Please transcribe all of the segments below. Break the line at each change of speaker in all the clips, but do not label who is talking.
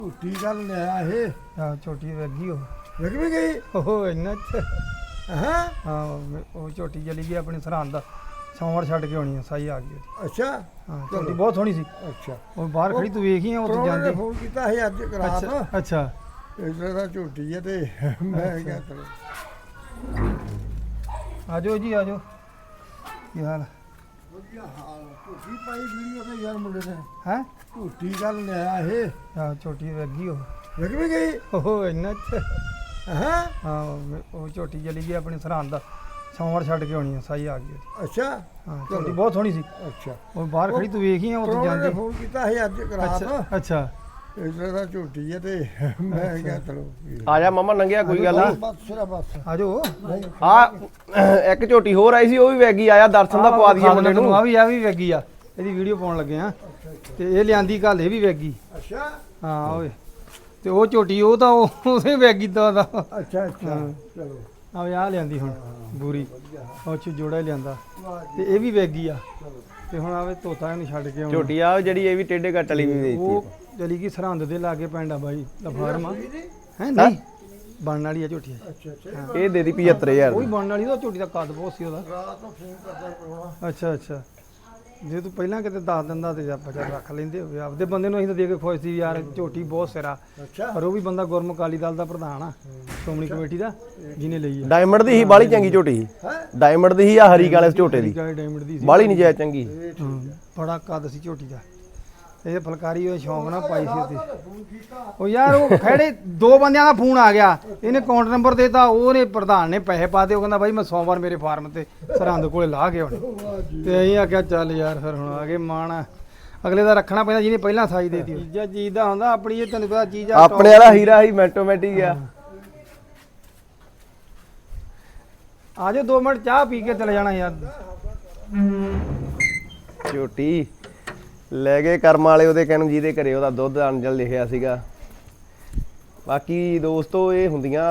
ਝੂਠੀ ਗੱਲ ਲਿਆ ਇਹ
ਹਾਂ ਝੋਟੀ ਲੱਗੀ ਉਹ
ਲੱਗ ਵੀ ਗਈ
ਉਹ ਇੰਨਾ
ਹਾਂ
ਹਾਂ ਉਹ ਝੋਟੀ ਚਲੀ ਗਈ ਆਪਣੀ ਸਰਹੰਦ ਦਾ ਸੋਮਵਾਰ ਛੱਡ ਕੇ ਆਉਣੀ ਆ ਸਾਈ ਆ ਗਈ ਉਹਦੀ।
ਅੱਛਾ
ਹਾਂ ਝੋਟੀ ਬਹੁਤ ਸੋਹਣੀ ਸੀ
ਅੱਛਾ
ਉਹ ਬਾਹਰ ਖੜੀ ਤੂੰ ਵੇਖੀ ਆ ਉੱਥੇ
ਪ੍ਰਾਹੁਣੇ ਨੇ
ਜਾਂਦੀ
ਫੋਨ ਕੀਤਾ ਸੀ ਅੱਜ ਰਾਤ
ਅੱਛਾ
ਇਸ ਤਰ੍ਹਾਂ ਦਾ ਝੂਠੀ ਹੈ ਤੇ ਮੈਂ ਕਿਹਾ ਚਲੋ
ਆਜੋ ਜੀ ਆਜੋ ਕੀ ਹਾਲ
ਵਧੀਆ ਹਾਲ ਝੂਠੀ ਪਾਈ ਵੀਡੀਓ ਤੇ ਯਾਰ ਮੁੰਡੇ ਨੇ
ਹੈ
ਝੂਠੀ ਗੱਲ ਲਿਆ ਇਹ
ਹਾਂ ਝੋਟੀ ਲੱਗੀ ਉਹ
ਲੱਗ ਵੀ ਗਈ
ਉਹ ਇੰਨਾ
ਹਾਂ
ਹਾਂ ਉਹ ਝੋਟੀ ਚਲੀ ਗਈ ਆਪਣੀ ਸਰਹੰਦ ਦਾ ਸੋਮਵਾਰ ਛੱਡ ਕੇ ਆਉਣੀ ਆ ਸਾਈ ਆ ਗਈ ਉਹਦੀ।
ਅੱਛਾ
ਹਾਂ ਝੋਟੀ ਬਹੁਤ ਸੋਹਣੀ ਸੀ
ਅੱਛਾ
ਉਹ ਬਾਹਰ ਖੜੀ ਤੂੰ ਵੇਖੀ ਆ ਉੱਥੇ
ਪ੍ਰਾਹੁਣੇ ਨੇ
ਜਾਂਦੀ
ਫੋਨ ਕੀਤਾ ਸੀ ਅੱਜ ਰਾਤ
ਅੱਛਾ
ਇਸ ਤਰ੍ਹਾਂ ਦਾ ਝੂਠੀ ਹੈ ਤੇ ਮੈਂ ਕਿਹਾ ਚਲੋ
ਆ ਜਾ ਮਾਮਾ ਨੰਗਿਆ ਕੋਈ ਗੱਲ ਨਹੀਂ
ਬਸ ਸਿਰਾ ਬਸ
ਆਜੋ
ਆ ਇੱਕ ਝੋਟੀ ਹੋਰ ਆਈ ਸੀ ਉਹ ਵੀ ਵੈਗੀ ਆਇਆ ਦਰਸ਼ਨ ਦਾ ਪਵਾ ਦਈਏ ਮੁੰਡੇ ਨੂੰ
ਆ ਵੀ ਵੈਗੀ ਆ ਇਹਦੀ ਵੀਡੀਓ ਪਾਉਣ ਲੱਗੇ ਆ ਤੇ ਇਹ ਲਿਆਂਦੀ ਕੱਲ ਇਹ ਵੀ ਵੈਗੀ
ਅੱਛਾ
ਹਾਂ ਓਏ ਤੇ ਉਹ ਝੋਟੀ ਉਹ ਤਾਂ ਉਹਦੇ ਵੈਗੀ ਦਾ
ਅੱਛਾ ਅੱਛਾ ਚਲੋ
ਆ ਲਿਆਂਦੀ ਹੁਣ ਬੂਰੀ ਉਹ ਚ ਜੋੜਾ ਹੀ ਲਿਆਂਦਾ ਤੇ ਇਹ ਵੀ ਵੈਗੀ ਆ ਤੇ ਹੁਣ ਆਵੇ ਤੋਤਾ ਇਹਨੂੰ ਛੱਡ ਕੇ ਆਉਣਾ
ਝੋਟੀ ਆ ਜਿਹੜੀ ਇਹ ਵੀ ਟੇਡੇ ਕੱਟ ਵਾਲੀ ਵੀ
ਉਹ
ਦੇਤੀ
ਚਲੀ ਗਈ ਸਰਹੰਦ ਦੇ ਲਾਗੇ ਪਿੰਡ ਆ ਬਾਈ ਲਫਾਰਮ ਆ ਹੈ ਨਹੀਂ ਬਣਨ ਵਾਲੀ ਆ ਝੋਟੀ
ਅੱਛਾ ਅੱਛਾ
ਇਹ ਦੇ ਦੀ 75000
ਉਹ ਵੀ ਬਣਨ ਵਾਲੀ ਉਹ ਝੋਟੀ ਦਾ ਕੱਦ ਬਹੁਤ ਸੀ ਉਹਦਾ
ਰਾਤ ਨੂੰ ਫੋਨ ਕਰਦਾ ਪ੍ਰਾਹੁਣਾ
ਅੱਛਾ ਅੱਛਾ ਜੇ ਤੂੰ ਪਹਿਲਾਂ ਕਿਤੇ ਦੱਸ ਦਿੰਦਾ ਤੇ ਆਪਾਂ ਚੱਲ ਰੱਖ ਲੈਂਦੇ ਹੋਵੇ ਆਪਦੇ ਬੰਦੇ ਨੂੰ ਅਸੀਂ ਤਾਂ ਦੇ ਕੇ ਖੁਸ਼ ਸੀ ਯਾਰ ਝੋਟੀ ਬਹੁਤ ਸਿਰਾ
ਅੱਛਾ
ਪਰ ਉਹ ਵੀ ਬੰਦਾ ਗੁਰਮੁਖ ਅਕਾਲੀ ਦਲ ਦਾ ਪ੍ਰਧਾਨ ਆ ਸ਼੍ਰੋਮਣੀ ਕਮੇਟੀ ਦਾ ਜਿਹਨੇ ਲਈ ਆ
ਡਾਇਮੰਡ ਦੀ ਹੀ ਬਾਲੀ ਚੰਗੀ ਝੋਟੀ ਸੀ
ਹੈ
ਡਾਇਮੰਡ ਦੀ ਹੀ ਆ ਹਰੀ ਕਾਲੇ ਝੋਟੇ ਦੀ
ਕਾਲੇ ਡਾਇਮੰਡ ਦੀ ਸੀ
ਬਾਲੀ ਨਹੀਂ ਜਾਇ ਚੰਗੀ
ਹਾਂ, ਬੜਾ ਕੱਦ ਸੀ ਝੋਟੀ ਦਾ ਇਹ ਫਲਕਾਰੀ ਉਹ ਸ਼ੌਂਕ ਨਾਲ ਪਾਈ ਸੀ ਉਹਦੀ
ਫੋਨ ਕੀਤਾ
ਉਹ ਯਾਰ ਉਹ ਖੜੇ ਦੋ ਬੰਦਿਆਂ ਦਾ ਫੋਨ ਆ ਗਿਆ ਇਹਨੇ ਅਕਾਊਂਟ ਨੰਬਰ ਦੇਤਾ ਉਹਨੇ ਪ੍ਰਧਾਨ ਨੇ ਪੈਸੇ ਪਾਤੇ ਉਹ ਕਹਿੰਦਾ ਬਾਈ ਮੈਂ ਸੋਮਵਾਰ ਮੇਰੇ ਫਾਰਮ ਤੇ ਸਰਹੰਦ ਕੋਲੇ ਲਾ ਕੇ ਆਉਣੇ ਤੇ ਅਸੀਂ ਆਖਿਆ ਚੱਲ ਯਾਰ ਫਿਰ ਹੁਣ ਆ ਗਏ ਮਾਣ ਅਗਲੇ ਦਾ ਰੱਖਣਾ ਪੈਂਦਾ ਜਿਹਨੇ ਪਹਿਲਾਂ ਸਾਈ ਦੇਤੀ ਚੀਜ਼ਾਂ ਚੀਜ਼ ਦਾ ਹੁੰਦਾ ਆਪਣੀ ਇਹ ਤੈਨੂੰ ਪਤਾ ਚੀਜ਼ ਆ
ਆਪਣੇ ਵਾਲਾ ਹੀਰਾ ਹੀ ਮੈਟੋਮੈਟਿਕ ਆ
ਆਜੋ 2 ਮਿੰਟ ਚਾਹ ਪੀ ਕੇ ਚਲੇ ਜਾਣਾ ਯਾਰ
ਝੋਟੀ ਲੈ ਗਏ ਕਰਮ ਵਾਲੇ ਉਹਦੇ ਕਹਿਣ ਜਿਹਦੇ ਘਰੇ ਉਹਦਾ ਦੁੱਧ ਅੰਜਲ ਲਿਖਿਆ ਸੀਗਾ ਬਾਕੀ ਦੋਸਤੋ ਇਹ ਹੁੰਦੀਆਂ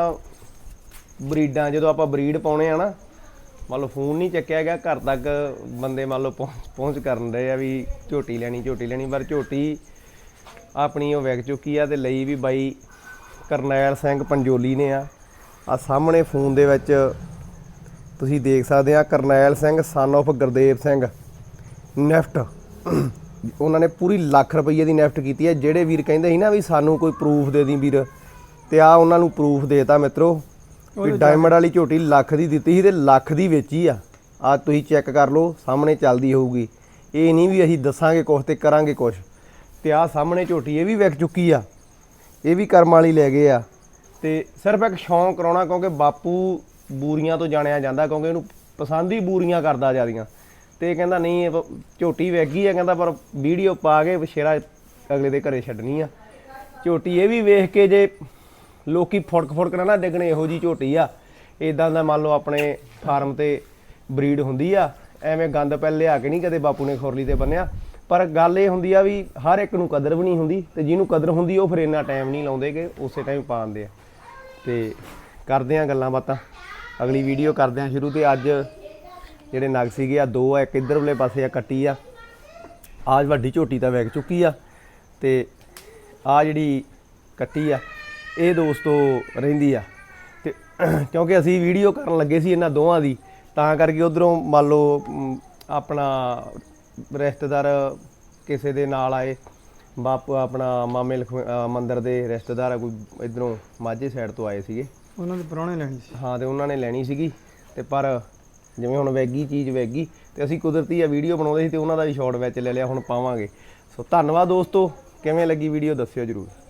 ਬਰੀਡਾਂ ਜਦੋਂ ਆਪਾਂ ਬਰੀਡ ਪਾਉਣੇ ਆ ਨਾ ਮੰਨ ਲਓ ਫੋਨ ਨਹੀਂ ਚੱਕਿਆ ਗਿਆ ਘਰ ਤੱਕ ਬੰਦੇ ਮੰਨ ਲਓ ਪਹੁੰਚ ਕਰਨ ਰਹੇ ਆ ਵੀ ਝੋਟੀ ਲੈਣੀ ਪਰ ਝੋਟੀ ਆਪਣੀ ਉਹ ਵਿਕ ਚੁੱਕੀ ਆ ਤੇ ਲਈ ਵੀ ਬਾਈ ਕਰਨੈਲ ਸਿੰਘ ਪੰਜੋਲੀ ਨੇ ਆ ਸਾਹਮਣੇ ਫੋਨ ਦੇ ਵਿੱਚ ਤੁਸੀਂ ਦੇਖ ਸਕਦੇ ਆ ਕਰਨੈਲ ਸਿੰਘ ਸਨ ਆਫ ਗੁਰਦੇਵ ਸਿੰਘ ਨੈਫਟ ਉਹਨਾਂ ਨੇ ਪੂਰੀ ਲੱਖ ਰੁਪਈਏ ਦੀ ਨੈਫਟ ਕੀਤੀ ਹੈ ਜਿਹੜੇ ਵੀਰ ਕਹਿੰਦੇ ਸੀ ਨਾ ਵੀ ਸਾਨੂੰ ਕੋਈ ਪ੍ਰੂਫ ਦੇ ਦੀ ਵੀਰ ਤੇ ਆ ਉਹਨਾਂ ਨੂੰ ਪ੍ਰੂਫ ਦੇਤਾ ਮਿੱਤਰੋ ਵੀ ਡਾਇਮੰਡ ਵਾਲੀ ਝੋਟੀ ਲੱਖ ਦੀ ਦਿੱਤੀ ਸੀ ਤੇ ਲੱਖ ਦੀ ਵੇਚੀ ਆ ਤੁਸੀਂ ਚੈੱਕ ਕਰ ਲਓ ਸਾਹਮਣੇ ਚੱਲਦੀ ਹੋਊਗੀ ਇਹ ਨਹੀਂ ਵੀ ਅਸੀਂ ਦੱਸਾਂਗੇ ਕੁਛ ਤੇ ਕਰਾਂਗੇ ਕੁਛ ਤੇ ਆ ਸਾਹਮਣੇ ਝੋਟੀ ਇਹ ਵੀ ਵਿਕ ਚੁੱਕੀ ਆ ਇਹ ਵੀ ਕਰਮ ਵਾਲੀ ਲੈ ਗਏ ਆ ਤੇ ਸਿਰਫ ਇੱਕ ਸ਼ੌਂਕ ਕਰਾਉਣਾ ਕਿਉਂਕਿ ਬਾਪੂ ਬੂਰੀਆਂ ਤੋਂ ਜਾਣਿਆ ਜਾਂਦਾ ਕਿਉਂਕਿ ਇਹਨੂੰ ਪਸੰਦ ਹੀ ਬੂਰੀਆਂ ਕਰਦਾ ਜਿਆਦੀਆਂ ਤੇ ਕਹਿੰਦਾ ਨਹੀਂ ਇਹ ਝੋਟੀ ਵੈਗੀ ਆ ਕਹਿੰਦਾ ਪਰ ਵੀਡੀਓ ਪਾ ਕੇ ਸ਼ੇਰਾ ਅਗਲੇ ਦੇ ਘਰੇ ਛੱਡਣੀ ਆ ਝੋਟੀ ਇਹ ਵੀ ਵੇਖ ਕੇ ਜੇ ਲੋਕੀ ਫੁੜਕ ਨਾ ਡਿੱਗਣੇ ਇਹੋ ਜੀ ਝੋਟੀ ਆ ਇਦਾਂ ਦਾ ਮੰਨ ਲਓ ਆਪਣੇ ਫਾਰਮ ਤੇ ਬਰੀਡ ਹੁੰਦੀ ਆ ਐਵੇਂ ਗੰਦ ਪੈ ਲਿਆ ਕੇ ਨਹੀਂ ਕਦੇ ਬਾਪੂ ਨੇ ਖੁਰਲੀ ਤੇ ਬੰਨਿਆ ਪਰ ਗੱਲ ਇਹ ਹੁੰਦੀ ਆ ਵੀ ਹਰ ਇੱਕ ਨੂੰ ਕਦਰ ਵੀ ਨਹੀਂ ਹੁੰਦੀ ਤੇ ਜਿਹਨੂੰ ਕਦਰ ਹੁੰਦੀ ਉਹ ਫਿਰ ਇੰਨਾ ਟਾਈਮ ਨਹੀਂ ਲਾਉਂਦੇ ਕਿ ਉਸੇ ਟਾਈਮ ਪਾ ਦਿੰਦੇ ਆ ਤੇ ਕਰਦੇ ਆ ਗੱਲਾਂ ਬਾਤਾਂ ਅਗਲੀ ਵੀਡੀਓ ਕਰਦੇ ਆ ਸ਼ੁਰੂ ਤੇ ਅੱਜ ਜਿਹੜੇ ਨਗ ਸੀਗੇ ਆ ਦੋ ਆ ਇੱਕ ਇੱਧਰ ਵਾਲੇ ਪਾਸੇ ਆ ਕੱਟੀ ਆ ਆਜ ਵੱਡੀ ਝੋਟੀ ਤਾਂ ਵਿਕ ਚੁੱਕੀ ਆ ਤੇ ਆ ਜਿਹੜੀ ਕੱਟੀ ਆ ਇਹ ਦੋਸਤੋ ਰਹਿੰਦੀ ਆ ਤੇ ਕਿਉਂਕਿ ਅਸੀਂ ਵੀਡੀਓ ਕਰਨ ਲੱਗੇ ਸੀ ਇਹਨਾਂ ਦੋਵਾਂ ਦੀ ਤਾਂ ਕਰਕੇ ਉਧਰੋਂ ਮੰਨ ਲਓ ਆਪਣਾ ਰਿਸ਼ਤੇਦਾਰ ਕਿਸੇ ਦੇ ਨਾਲ ਆਏ ਬਾਪੂ ਆਪਣਾ ਮਾਮੇ ਮੰਦਰ ਦੇ ਰਿਸ਼ਤੇਦਾਰ ਕੋਈ ਇਧਰੋਂ ਮਾਝੇ ਸਾਈਡ ਤੋਂ ਆਏ ਸੀਗੇ
ਉਹਨਾਂ ਦੇ ਪ੍ਰਾਹੁਣੇ ਲੈਣੀ ਸੀ
ਹਾਂ ਤੇ ਉਹਨਾਂ ਨੇ ਲੈਣੀ ਸੀਗੀ ਤੇ ਪਰ ਜਿਵੇਂ ਹੁਣ ਵੈਗੀ ਚੀਜ਼ ਵੈਗੀ ਤੇ ਅਸੀਂ ਕੁਦਰਤੀ ਆ ਵੀਡੀਓ ਬਣਾਉਂਦੇ ਸੀ ਤੇ ਉਹਨਾਂ ਦਾ ਵੀ ਸ਼ਾਰਟ ਵਿੱਚ ਲੈ ਲਿਆ ਹੁਣ ਪਾਵਾਂਗੇ ਸੋ ਧੰਨਵਾਦ ਦੋਸਤੋ ਕਿਵੇਂ ਲੱਗੀ ਵੀਡੀਓ ਦੱਸਿਓ ਜਰੂਰ।